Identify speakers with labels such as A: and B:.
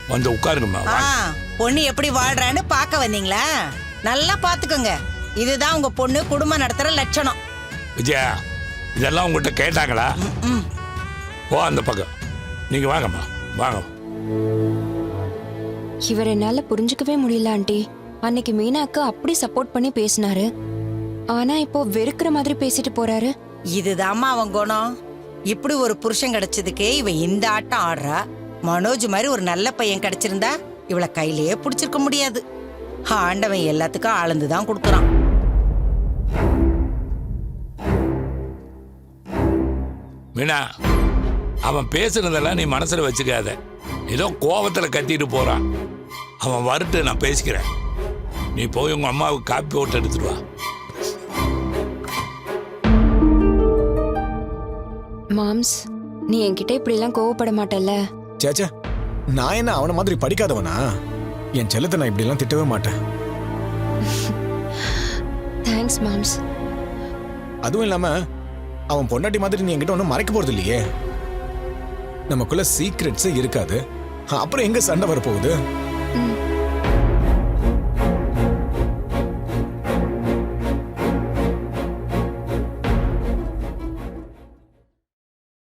A: வந்து உட்காருங்கம்மா.
B: பொண்ணு எப்படி வாழ்றான்னு பார்க்க வந்தீங்களா? நல்லா பாத்துக்கோங்க. இதுதான் உங்க பொண்ணு குடும்பம் நடத்துற லட்சணம்.
A: விஜயா, இதெல்லாம் உங்ககிட்ட கேட்டாங்களா? ஓ, அந்த பக்கம் நீங்க வாங்கம்மா, வாங்க.
C: இவர் என்னால புரிஞ்சுக்கவே முடியல ஆண்டி. அன்னைக்கு மீனாக்கு அப்படி சப்போர்ட் பண்ணி பேசினாரு, ஆனா இப்போ வெறுக்கிற மாதிரி பேசிட்டு போறாரு.
B: இதுதாம்மா அவன் குணம். இப்படி ஒரு புருஷன் கிடைச்சதுக்கே இவ இந்த ஆட்டம் ஆடுறா. மனோஜ் மாதிரி ஒரு நல்ல பையன் கிடைச்சிருந்தா இவளை கையிலேயே பிடிச்சிருக்க முடியாது. ஆண்டவன் எல்லாத்துக்கும் ஆழ்ந்துதான் கொடுக்கறான்.
A: மீனா, அவன் பேசுனதெல்லாம் நீ மனசுல வச்சுக்காத. ஏதோ கோபத்துல கத்திட்டு போறான். அவன் வரட்டு, நான் பேசிக்கிறேன். நீ போய் உங்க அம்மாவுக்கு காப்பி போட்டு எடுத்துட்டு வா.
C: மாம்ஸ், நீ என்கிட்ட இப்படி எல்லாம் கோவப்பட மாட்டல்ல?
D: சேச்சா, நான் என்ன அவன மாதிரி படிக்காதவனா? என் செல்லத்தை நான் இப்படி எல்லாம் திட்டவே மாட்டேன்.
C: தேங்க்ஸ் மாம்ஸ்.
D: அதுவும் இல்லாம அவன் பொண்டாட்டி மாதிரி நீ என்கிட்ட ஒன்றும் மறைக்க போறது இல்லையே. நமக்குள்ள சீக்ரெட்ஸே இருக்காது. அப்புறம் எங்க சண்டை வரப்போகுது?